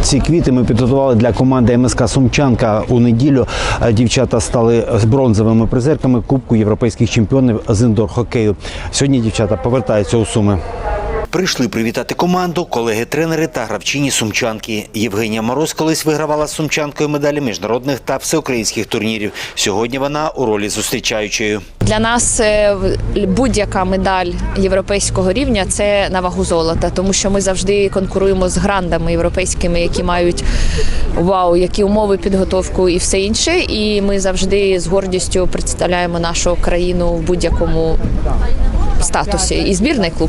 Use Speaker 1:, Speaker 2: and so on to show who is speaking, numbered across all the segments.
Speaker 1: Ці квіти ми підготували для команди МСК «Сумчанка». У неділю дівчата стали бронзовими призерками Кубку європейських чемпіонів з індор-хокею. Сьогодні дівчата повертаються у Суми. Прийшли привітати команду колеги-тренери та гравчині «Сумчанки». Євгенія Мороз колись вигравала з «Сумчанкою» медалі міжнародних та всеукраїнських турнірів. Сьогодні вона у ролі зустрічаючої.
Speaker 2: Для нас будь-яка медаль європейського рівня – це на вагу золота, тому що ми завжди конкуруємо з грандами європейськими, які мають які умови, підготовку і все інше. І ми завжди з гордістю представляємо нашу країну в будь-якому статусі. І збірний клуб.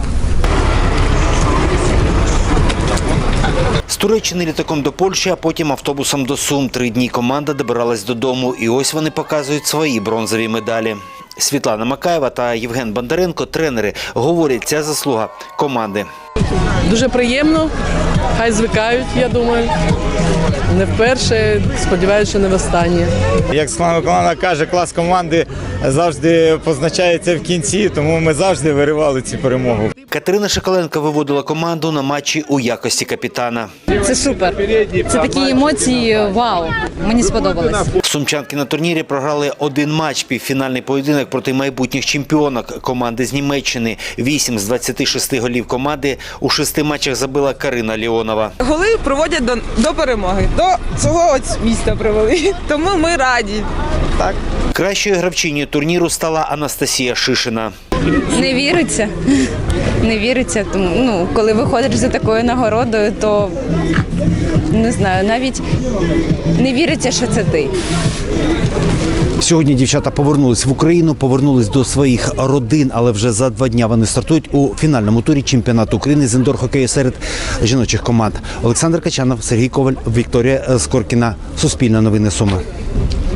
Speaker 1: З Туреччини літаком до Польщі, а потім автобусом до Сум. 3 дні команда добиралась додому. І ось вони показують свої бронзові медалі. Світлана Макаєва та Євген Бондаренко, тренери, говорять, ця заслуга команди.
Speaker 3: Дуже приємно, хай звикають, я думаю. Не вперше, сподіваюся, що не востаннє.
Speaker 4: Як команда каже, клас команди завжди позначається в кінці, тому ми завжди виривали цю перемогу.
Speaker 1: Катерина Шоколенко виводила команду на матчі у якості капітана.
Speaker 5: Це супер. Це такі емоції, вау, мені сподобалось.
Speaker 1: Сумчанки на турнірі програли 1 матч, півфінальний поєдинок проти майбутніх чемпіонок команди з Німеччини. 8 з 26 голів команди у 6 матчах забила Карина Леонова.
Speaker 6: Голи проводять до перемоги, до цього місця привели, тому ми раді. Так.
Speaker 1: Кращою гравчинею турніру стала Анастасія Шишина.
Speaker 5: Не віриться. Не віриться, тому коли виходиш за такою нагородою, то не знаю, навіть не віриться, що це ти.
Speaker 1: Сьогодні дівчата повернулись в Україну, повернулись до своїх родин, але вже за 2 дня вони стартують у фінальному турі чемпіонату України з індор-хокею серед жіночих команд. Олександр Качанов, Сергій Коваль, Вікторія Скоркіна. Суспільне новини Суми.